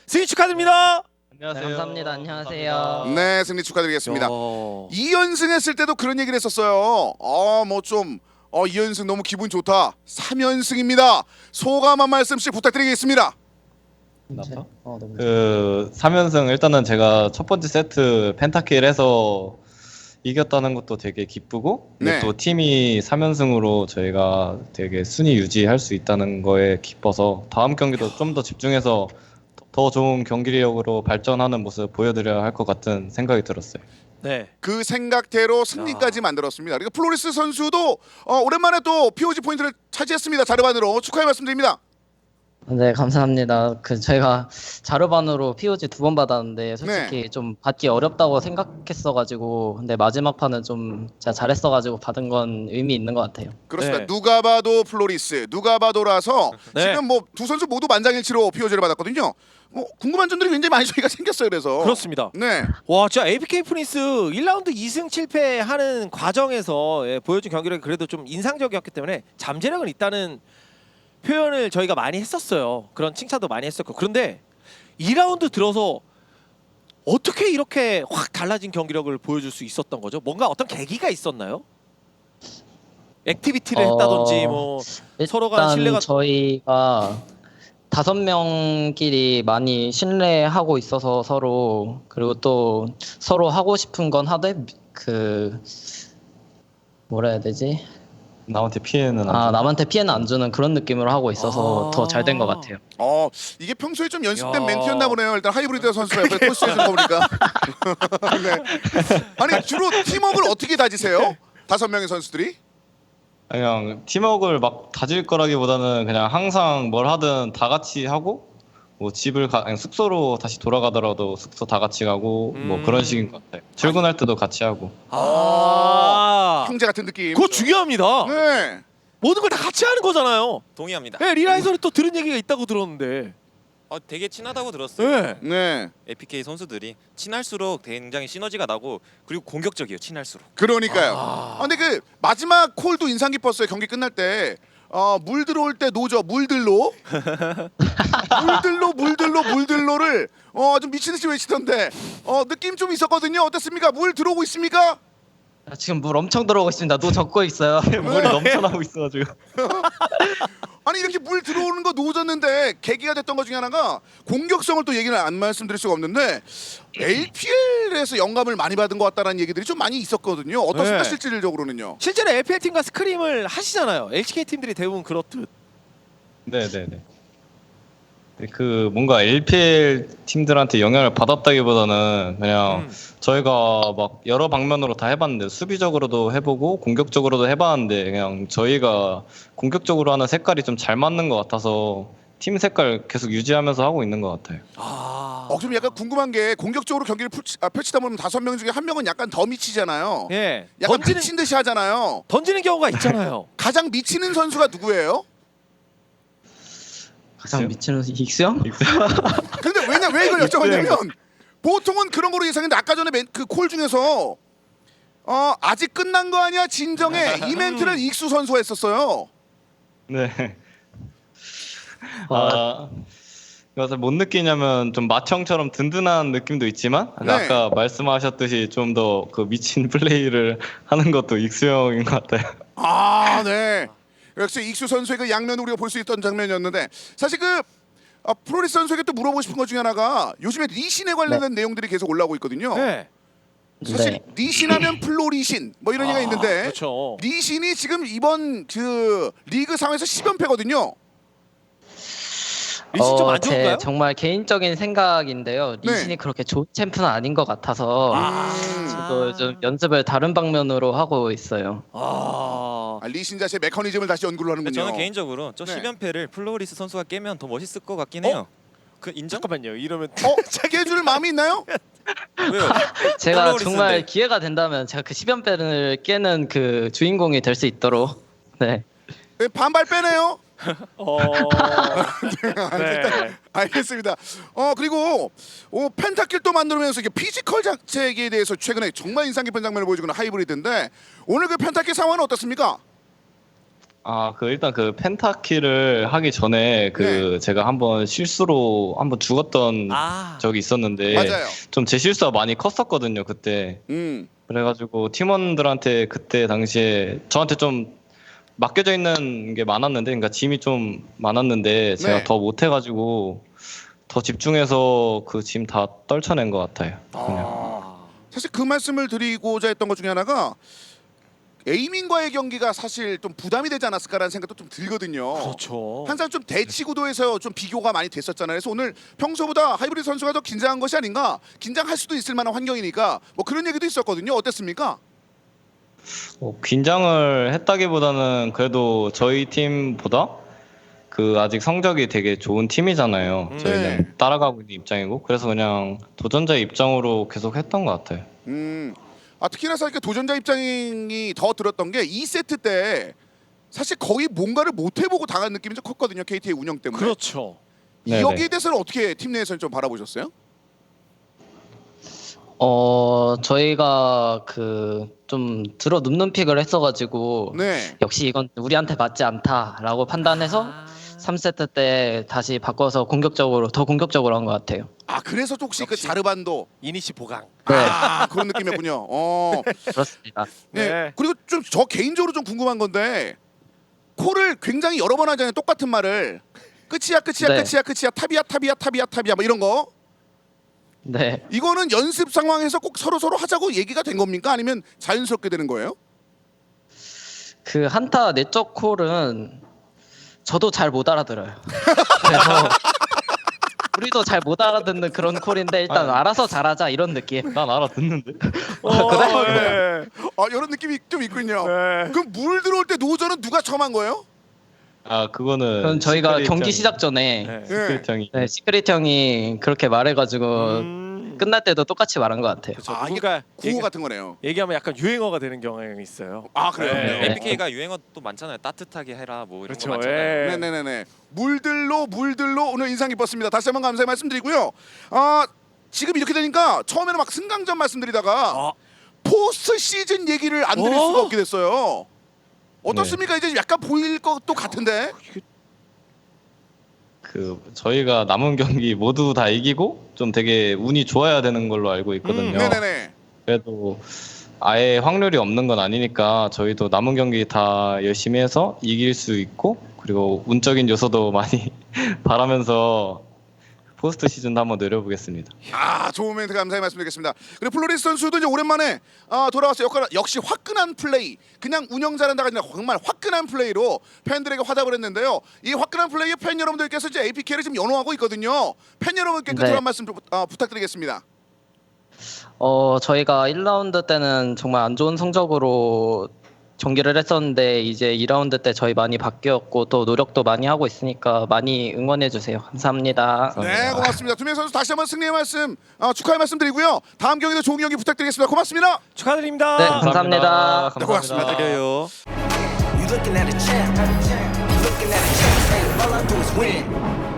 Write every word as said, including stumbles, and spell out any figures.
승리 축하드립니다. 안녕하세요. 네, 감사합니다. 안녕하세요. 감사합니다. 네, 승리 축하드리겠습니다. 어... 이 연승 했을 때도 그런 얘기를 했었어요. 어, 뭐 좀 어, 이 연승 너무 기분 좋다. 삼 연승입니다. 소감 한 말씀씩 부탁드리겠습니다. 나빠? 어, 너무 그 삼 연승 일단은 제가 첫 번째 세트 펜타킬 해서 이겼다는 것도 되게 기쁘고 근데 네. 또 팀이 삼 연승으로 저희가 되게 순위 유지할 수 있다는 거에 기뻐서 다음 경기도 좀 더 집중해서 더 좋은 경기력으로 발전하는 모습 보여드려야 할 것 같은 생각이 들었어요. 네. 그 생각대로 승리까지 만들었습니다. 그리고 플로리스 선수도 어, 오랜만에 또 피오지 포인트를 차지했습니다. 자르반으로 축하의 말씀드립니다. 네, 감사합니다. 그 저희가 자르반으로 피오지 두 번 받았는데 솔직히 네. 좀 받기 어렵다고 생각했어가지고 근데 마지막 판은 좀 제가 잘했어가지고 받은 건 의미 있는 것 같아요. 그렇습니다. 네. 누가 봐도 플로리스, 누가 봐도라서 네. 지금 뭐 두 선수 모두 만장일치로 피오지를 받았거든요. 뭐 궁금한 점들이 굉장히 많이 저희가 생겼어요. 그래서 그렇습니다. 네. 와, 진짜 에이피케이 프린스 일 라운드 이 승 칠 패 하는 과정에서 예, 보여준 경기력이 그래도 좀 인상적이었기 때문에 잠재력은 있다는 표현을 저희가 많이 했었어요. 그런 칭찬도 많이 했었고. 그런데 이 라운드 들어서 어떻게 이렇게 확 달라진 경기력을 보여줄 수 있었던 거죠? 뭔가 어떤 계기가 있었나요? 액티비티를 어, 했다든지 뭐 서로 간 일단 신뢰가 저희가 다섯 명끼리 많이 신뢰하고 있어서 서로 그리고 또 서로 하고 싶은 건 하되 그 뭐라 해야 되지? 남한테 피해는 안 아 줘. 남한테 피해는 안 주는 그런 느낌으로 하고 있어서 아. 더 잘 된 것 같아요. 어 이게 평소에 좀 연습된 야. 멘트였나 보네요. 일단 하이브리드 선수가 옆에 토스해준 거 보니까. 네. 아니 주로 팀워크를 어떻게 다지세요? 다섯 명의 선수들이? 그냥 팀워크를 막 다질 거라기보다는 그냥 항상 뭘 하든 다 같이 하고 뭐 집을 가, 아니, 숙소로 다시 돌아가더라도 숙소 다 같이 가고 뭐 음. 그런 식인 것 같아요. 출근할 때도 같이 하고. 아, 형제 같은 느낌. 그거 중요합니다. 네. 모든 걸 다 같이 하는 거잖아요. 동의합니다. 네, 리라이설이 또 들은 얘기가 있다고 들었는데. 어, 되게 친하다고 들었어요. 네. 네. 에이피케이 선수들이 친할수록 굉장히 시너지가 나고 그리고 공격적이에요. 친할수록. 그러니까요. 아. 아, 근데 그 마지막 콜도 인상 깊었어요. 경기 끝날 때. 어, 물 들어올 때 노죠. 물들로. 물들로 물들로 물들로를 어, 좀 미친 듯이 외치던데. 어, 느낌 좀 있었거든요. 어떻습니까? 물 들어오고 있습니까? 아, 지금 물 엄청 들어오고 있습니다. 노 젓고 있어요. 물이 넘쳐나고 있어가지고. 아니 이렇게 물 들어오는 거 노졌는데 계기가 됐던 것 중에 하나가 공격성을 또 얘기를 안 말씀드릴 수가 없는데 엘피엘에서 영감을 많이 받은 것 같다는 얘기들이 좀 많이 있었거든요. 어떻습니까? 네. 실질적으로는요. 실제로 엘피엘 팀과 스크림을 하시잖아요. 엘씨케이 팀들이 대부분 그렇듯. 네네네. 그 뭔가 엘피엘 팀들한테 영향을 받았다기보다는 그냥 음. 저희가 막 여러 방면으로 다 해봤는데 수비적으로도 해보고 공격적으로도 해봤는데 그냥 저희가 공격적으로 하는 색깔이 좀 잘 맞는 것 같아서 팀 색깔 계속 유지하면서 하고 있는 것 같아요. 아. 어, 좀 약간 궁금한 게 공격적으로 경기를 펼치, 아, 펼치다 보면 다섯 명 중에 한 명은 약간 더 미치잖아요. 예. 약간 던지는 미친 듯이 하잖아요. 던지는 경우가 있잖아요. 가장 미치는 선수가 누구예요? 가장 미치는 익수형? 근데 왜냐 왜 이걸 여쭤봤냐면 보통은 그런 거로 예상했는데 아까 전에 그 콜 중에서 어 아직 끝난 거 아니야 진정해 이 멘트를 익수 선수가 했었어요. 네. 아, 아, 그래서 뭔 느끼냐면 좀 마청처럼 든든한 느낌도 있지만 네. 아까 말씀하셨듯이 좀 더 그 미친 플레이를 하는 것도 익수형인 것 같아요. 아 네. 역시 익수 선수의 그 양면 우리가 볼 수 있던 장면이었는데 사실 그 어, 프로리스 선수에게 또 물어보고 싶은 것 중에 하나가 요즘에 리신에 관련된 내용들이 계속 올라오고 있거든요. 네. 사실 네. 리신하면 플로리신 뭐 이런 얘기가 아, 있는데 그렇죠. 리신이 지금 이번 그 리그 상에서 십 연패거든요. 리신 좀 어, 안 좋은가요? 제 정말 개인적인 생각인데요. 네. 리신이 그렇게 좋은 챔프는 아닌 것 같아서 아. 저도 좀 연습을 다른 방면으로 하고 있어요. 아. 아, 리신 자체 메커니즘을 다시 연구를 하는군요. 저는 개인적으로 저 네. 십 연패를 플로리스 선수가 깨면 더 멋있을 것 같긴 해요. 그 인정? 잠깐만요. 이러면 어? 깨줄 마음이 있나요? 왜요? 제가 플로리스인데. 정말 기회가 된다면 제가 그 십 연패를 깨는 그 주인공이 될 수 있도록 네. 네, 반발 빼네요. 어. 네. 알겠습니다. 어 그리고 어, 펜타킬 또 만들면서 이게 피지컬 장책에 대해서 최근에 정말 인상 깊은 장면을 보여주는 하이브리드인데 오늘 그 펜타킬 상황은 어떻습니까? 아, 그 일단 그 펜타키를 하기 전에 그 네. 제가 한번 실수로 한번 죽었던 아, 적이 있었는데 맞아요. 좀 제 실수가 많이 컸었거든요, 그때. 음. 그래가지고 팀원들한테 그때 당시에 저한테 좀 맡겨져 있는 게 많았는데, 그러니까 짐이 좀 많았는데 제가 네. 더 못해가지고 더 집중해서 그 짐 다 떨쳐낸 것 같아요. 그냥. 아. 사실 그 말씀을 드리고자 했던 것 중에 하나가 에이민과의 경기가 사실 좀 부담이 되지 않았을까라는 생각도 좀 들거든요. 그렇죠. 항상 좀 대치 구도에서 좀 비교가 많이 됐었잖아요. 그래서 오늘 평소보다 하이브리드 선수가 더 긴장한 것이 아닌가, 긴장할 수도 있을 만한 환경이니까 뭐 그런 얘기도 있었거든요. 어땠습니까? 어, 긴장을 했다기보다는 그래도 저희 팀보다 그 아직 성적이 되게 좋은 팀이잖아요. 음. 저희는 네. 따라가고 있는 입장이고, 그래서 그냥 도전자의 입장으로 계속 했던 것 같아요. 음, 아 특히나 사실 도전자 입장이 더 들었던 게 이 세트 때 사실 거의 뭔가를 못 해보고 당한 느낌이 좀 컸거든요. 케이티의 운영 때문에. 그렇죠. 네네. 여기에 대해서는 어떻게 팀 내에서는 좀 바라보셨어요? 어 저희가 그 좀 들어 눕는 픽을 했어가지고 네. 역시 이건 우리한테 맞지 않다라고 판단해서 아. 삼 세트 때 다시 바꿔서 공격적으로 더 공격적으로 한 것 같아요. 아 그래서 혹시 그 역시. 자르반도 이니시 보강. 네. 아 그런 느낌이었군요. 어. 그렇습니다. 네. 네. 그리고 좀 저 개인적으로 좀 궁금한 건데 콜을 굉장히 여러 번 하잖아요. 똑같은 말을 끝이야 끝이야 네. 끝이야 끝이야 탑이야 탑이야 탑이야 탑이야 뭐 이런 거. 네. 이거는 연습 상황에서 꼭 서로 서로 하자고 얘기가 된 겁니까? 아니면 자연스럽게 되는 거예요? 그 한타 내적 콜은 저도 잘 못 알아들어요. 그래서 우리도 잘 못 알아듣는 그런 콜인데 일단 알아서 잘하자 이런 느낌. 난 알아듣는데. 어, 그래? 아 이런 느낌이 좀 있군요. 네. 그럼 물 들어올 때 노저는 누가 처음 한 거예요? 아, 그거는 그건 저희가 시크릿 경기 형이- 시작 전에 네. 시크릿 형이 네, 시크릿 형이 그렇게 말해가지고 음. 끝날 때도 똑같이 말한 것 같아요. 그렇죠. 아, 이게 누군가 구호 얘기, 같은 거네요. 얘기하면 약간 유행어가 되는 경향이 있어요. 아 그래요? 네. 에이피케이가 유행어 또 많잖아요. 따뜻하게 해라 뭐 이런 그렇죠. 거 많잖아요. 예. 네네네네. 물들로 물들로 오늘 인상 깊었습니다. 다시 한번 감사의 말씀드리고요. 아 지금 이렇게 되니까 처음에는 막 승강전 말씀드리다가 아. 포스트 시즌 얘기를 안 드릴 어? 수가 없게 됐어요. 어떻습니까? 이제 약간 보일 것도 같은데. 그 저희가 남은 경기 모두 다 이기고 좀 되게 운이 좋아야 되는 걸로 알고 있거든요. 음, 네네네. 그래도 아예 확률이 없는 건 아니니까 저희도 남은 경기 다 열심히 해서 이길 수 있고, 그리고 운적인 요소도 많이 바라면서 포스트 시즌도 한번 노려보겠습니다. 아 좋은 멘트 감사히 말씀드리겠습니다. 그리고 플로리스 선수도 이제 오랜만에 아, 돌아와서 역시, 역시 화끈한 플레이, 그냥 운영 잘한다가 아니라 정말 화끈한 플레이로 팬들에게 화답을 했는데요. 이 화끈한 플레이에 팬 여러분들께서 이제 에이피케이를 지금 연호하고 있거든요. 팬 여러분께 끝으로 네. 한 말씀 부, 아, 부탁드리겠습니다. 어 저희가 일 라운드 때는 정말 안 좋은 성적으로 경기를 했었는데 이제 이 라운드 때 저희 많이 바뀌었고 또 노력도 많이 하고 있으니까 많이 응원해 주세요. 감사합니다. 네 고맙습니다. 두 명 선수 다시 한번 승리의 말씀 아, 축하의 말씀드리고요. 다음 경기도 좋은 경기 부탁드리겠습니다. 고맙습니다. 축하드립니다. 네, 감사합니다. 네, 고맙습니다. 드려요. You looking at a champ. You looking at a champ. Say all I do is win.